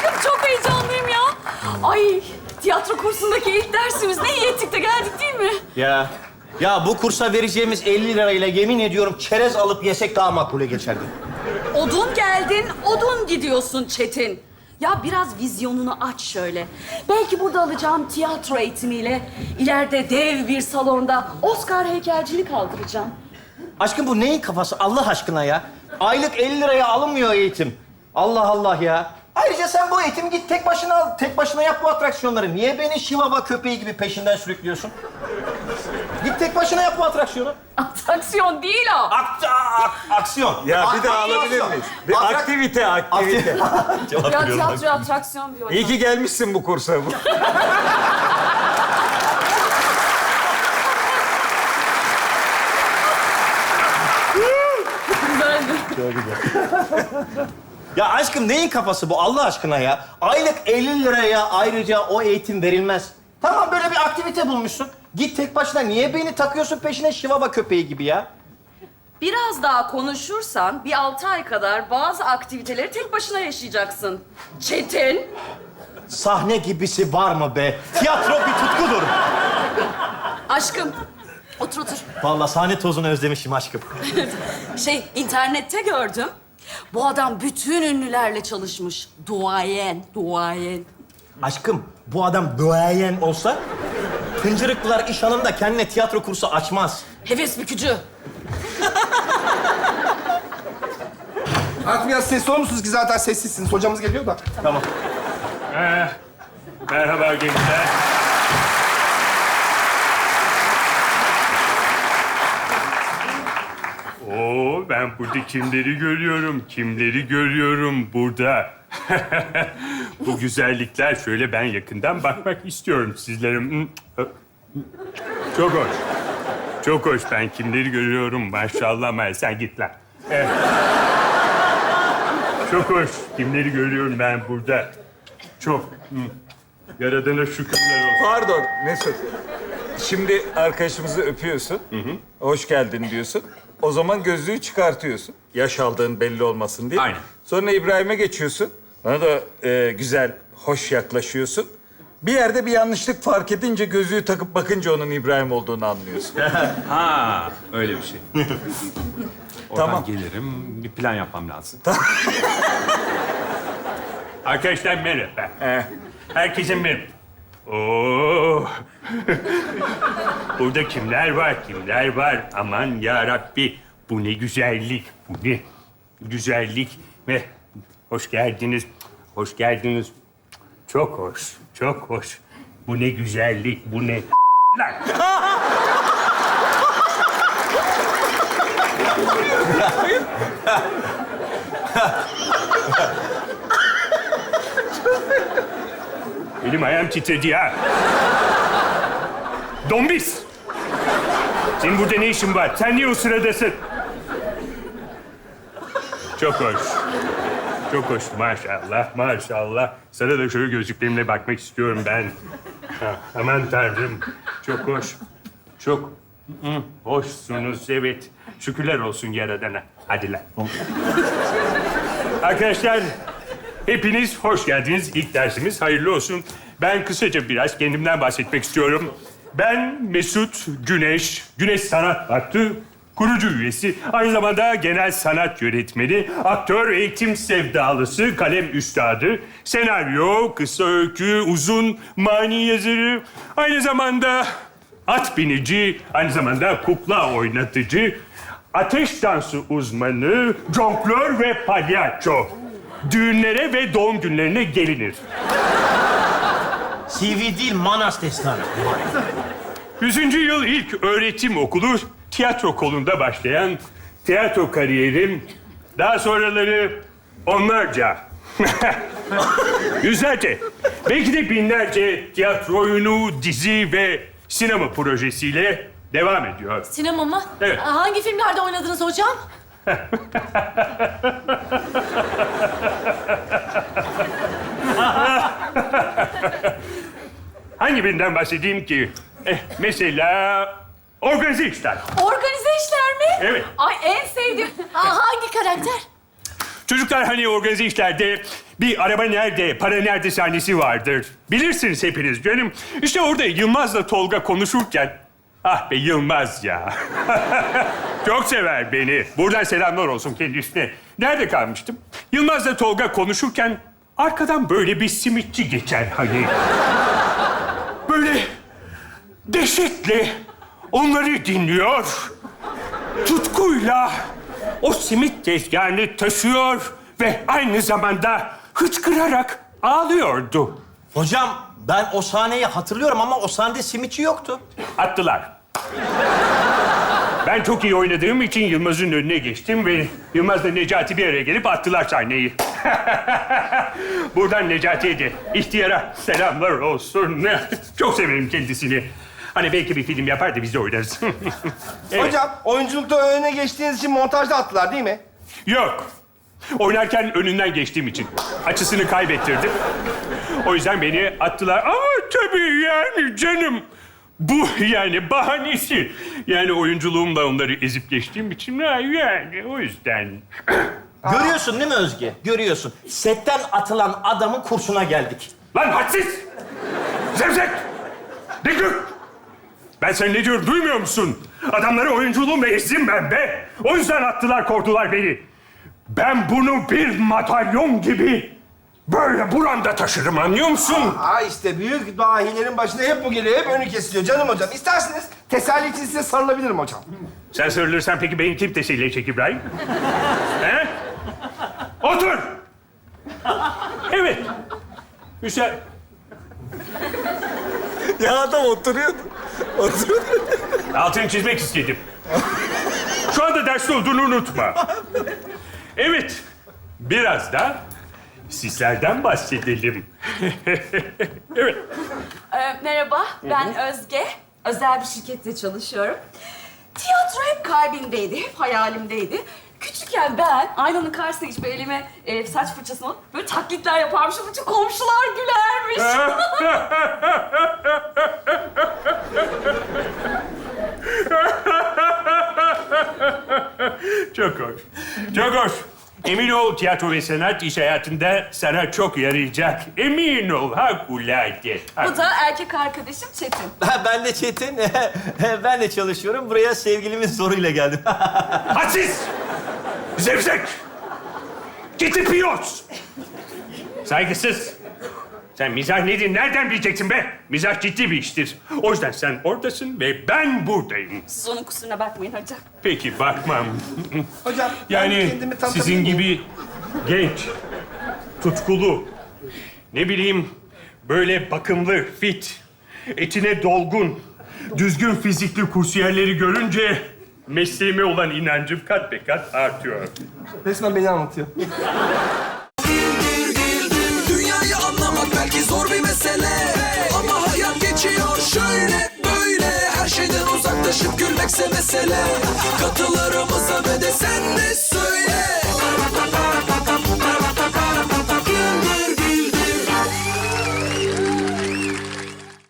Aşkım çok heyecanlıyım ya. Ay tiyatro kursundaki ilk dersimiz. Ne iyi ettik de geldik değil mi? Ya bu kursa vereceğimiz 50 lirayla yemin ediyorum çerez alıp yesek daha makbule geçerdi. Odun geldin, odun gidiyorsun Çetin. Ya biraz vizyonunu aç şöyle. Belki burada alacağım tiyatro eğitimiyle ileride dev bir salonda Oscar heykelcini kaldıracağım. Aşkım bu neyin kafası Allah aşkına ya? Aylık 50 liraya alınmıyor eğitim. Allah Allah ya. Ayrıca sen bu eğitimi git tek başına al. Tek başına yap bu atraksiyonları. Niye beni şivava köpeği gibi peşinden sürüklüyorsun? Git tek başına yap bu atraksiyonu. Atraksiyon değil o. Aksiyon. Ya bir daha Aksiyon. alabilir miyiz? Bir aktivite. Ya tiyatro atraksiyon diyor. İyi ki gelmişsin bu kursa. Ya aşkım neyin kafası bu Allah aşkına ya? Aylık 50 liraya ayrıca o eğitim verilmez. Tamam böyle bir aktivite bulmuşsun. Git tek başına. Niye beni takıyorsun peşine şivava köpeği gibi ya? Biraz daha konuşursan bir 6 ay kadar bazı aktiviteleri tek başına yaşayacaksın. Çetin. Sahne gibisi var mı be? Tiyatro bir tutkudur. Aşkım. Otur otur. Vallahi sahne tozunu özlemişim aşkım. İnternette gördüm. Bu adam bütün ünlülerle çalışmış. Duayen. Aşkım bu adam duayen olsa Hıncırıklılar iş hanında kendine tiyatro kursu açmaz. Heves bükücü. Artık biraz sesli olur musunuz ki zaten sessizsiniz. Hocamız geliyor da. Tamam. Merhaba gençler. Oo, ben burada kimleri görüyorum burada. Bu güzellikler şöyle ben yakından bakmak istiyorum sizlere. Çok hoş. Çok hoş. Ben kimleri görüyorum maşallah. Sen git lan. Çok hoş. Kimleri görüyorum ben burada. Çok. Yaradana şükürler olsun. Pardon Mesut. Şimdi arkadaşımızı öpüyorsun. Hoş geldin diyorsun. O zaman gözlüğü çıkartıyorsun. Yaş aldığın belli olmasın diye. Aynen. Sonra İbrahim'e geçiyorsun. Bana da güzel, hoş yaklaşıyorsun. Bir yerde bir yanlışlık fark edince gözlüğü takıp bakınca onun İbrahim olduğunu anlıyorsun. Ha, öyle bir şey. Oradan Tamam. gelirim, bir plan yapmam lazım. Arkadaşlar merhaba. Herkese merhaba. Oo. Burada kimler var? Aman ya Rabbi. Bu ne güzellik, bu ne güzellik. Ve hoş geldiniz. Çok hoş. Bu ne güzellik, bu ne lan. Elim ayağım titredi ya. Dombis! Senin burada ne işin var? Sen niye o sıradasın? Çok hoş. Maşallah. Sana da şöyle gözlüklerimle bakmak istiyorum ben. Aman Tanrım. Çok hoş. Çok hoşsunuz, evet. Şükürler olsun Yaradan'a. Hadi lan. Arkadaşlar, hepiniz hoş geldiniz. İlk dersimiz hayırlı olsun. Ben kısaca biraz kendimden bahsetmek istiyorum. Ben Mesut Güneş, Güneş Sanat Vakfı kurucu üyesi. Aynı zamanda genel sanat yönetmeni, aktör, eğitim sevdalısı, kalem üstadı, senaryo, kısa öykü, uzun, mani yazarı. Aynı zamanda at binici, aynı zamanda kukla oynatıcı, ateş dansı uzmanı, jonglör ve palyaço. Düğünlere ve doğum günlerine gelinir. CV değil Manas destanı. 100. yıl ilk öğretim okulu tiyatro kolunda başlayan tiyatro kariyerim, daha sonraları onlarca, yüzlerce, belki de binlerce tiyatro oyunu, dizi ve sinema projesiyle devam ediyor. Sinema mı? Evet. Hangi filmlerde oynadınız hocam? Hangi birinden bahsedeyim ki? Mesela organize işler. Organize işler mi? Evet. Ay en sevdiğim. Hangi karakter? Çocuklar hani organize işlerde bir araba nerede, para nerede sahnesi vardır. Bilirsiniz hepiniz canım. İşte orada Yılmaz'la Tolga konuşurken... Ah be Yılmaz ya. Çok sever beni. Buradan selamlar olsun kendisine. Nerede kalmıştım? Yılmaz'la Tolga konuşurken arkadan böyle bir simitçi geçer hani. Böyle dehşetle onları dinliyor. Tutkuyla o simit tezgahını taşıyor ve aynı zamanda hıçkırarak ağlıyordu. Hocam ben o sahneyi hatırlıyorum ama o sahnede simitçi yoktu. Attılar. Ben çok iyi oynadığım için Yılmaz'ın önüne geçtim ve Yılmaz'la Necati bir araya gelip attılar sahneyi. Buradan Necati'ye de ihtiyara selamlar olsun. Çok severim kendisini. Hani belki bir film yapar da biz de oynarız. Evet. Hocam oyunculukta öne geçtiğiniz için montajda attılar değil mi? Yok. Oynarken önünden geçtiğim için. Açısını kaybettirdim. O yüzden beni attılar. Ama tabii yani canım. Bu yani bahanesi. Yani oyunculuğumla onları ezip geçtiğim için yani o yüzden. Görüyorsun değil mi Özge? Görüyorsun. Setten atılan adamın kursuna geldik. Lan hadsiz! Zevzek! Diklik! Ben sen ne diyorum duymuyor musun? Adamları oyunculuğumla ezdim ben be. O yüzden attılar korktular beni. Ben bunu bir madalyon gibi böyle buranda taşırım anlıyor musun? İşte büyük dahilerin başında hep bu geliyor. Hep önü kesiliyor canım hocam. İsterseniz teselli için size sarılabilirim hocam. Sen sarılırsan peki beni kim teselli edecek İbrahim? He? Otur! Evet. Güzel. Ya adam oturuyordu. Altını çizmek istedim. Şu anda derste olduğunu unutma. Evet. Biraz da sizlerden bahsedelim. Evet. Merhaba, ben Özge. Özel bir şirkette çalışıyorum. Tiyatro hep kalbimdeydi, hep hayalimdeydi. Küçükken ben aynanın karşısına geçip elime saç fırçasını alıp böyle taklitler yaparmışım. Bütün komşular gülermiş. Çok hoş. Çok hoş. Emin ol tiyatro ve sanat iş hayatında sana çok yarayacak. Emin ol harikulade. Bu da erkek arkadaşım Çetin. Ben de Çetin. Ben de çalışıyorum. Buraya sevgilimin zoruyla geldim. Hadsiz! Zevzek! Giti piyos! Saygısız! Sen mizah nedir, nereden bileceksin be? Mizah ciddi bir iştir. O yüzden sen oradasın ve ben buradayım. Siz onun kusuruna bakmayın hocam. Peki, bakmam. Hocam ben Yani kendimi tanıtabilir sizin miyim? gibi genç, tutkulu, ne bileyim böyle bakımlı, fit, etine dolgun, düzgün fizikli kursiyerleri görünce mesleğime olan inancım kat be kat artıyor. Resmen beni anlatıyor. Dünyayı anlamak belki zor bir mesele, ama hayat geçiyor şöyle böyle. Her şeyden uzaklaşıp gülmekse mesele. Katılarımıza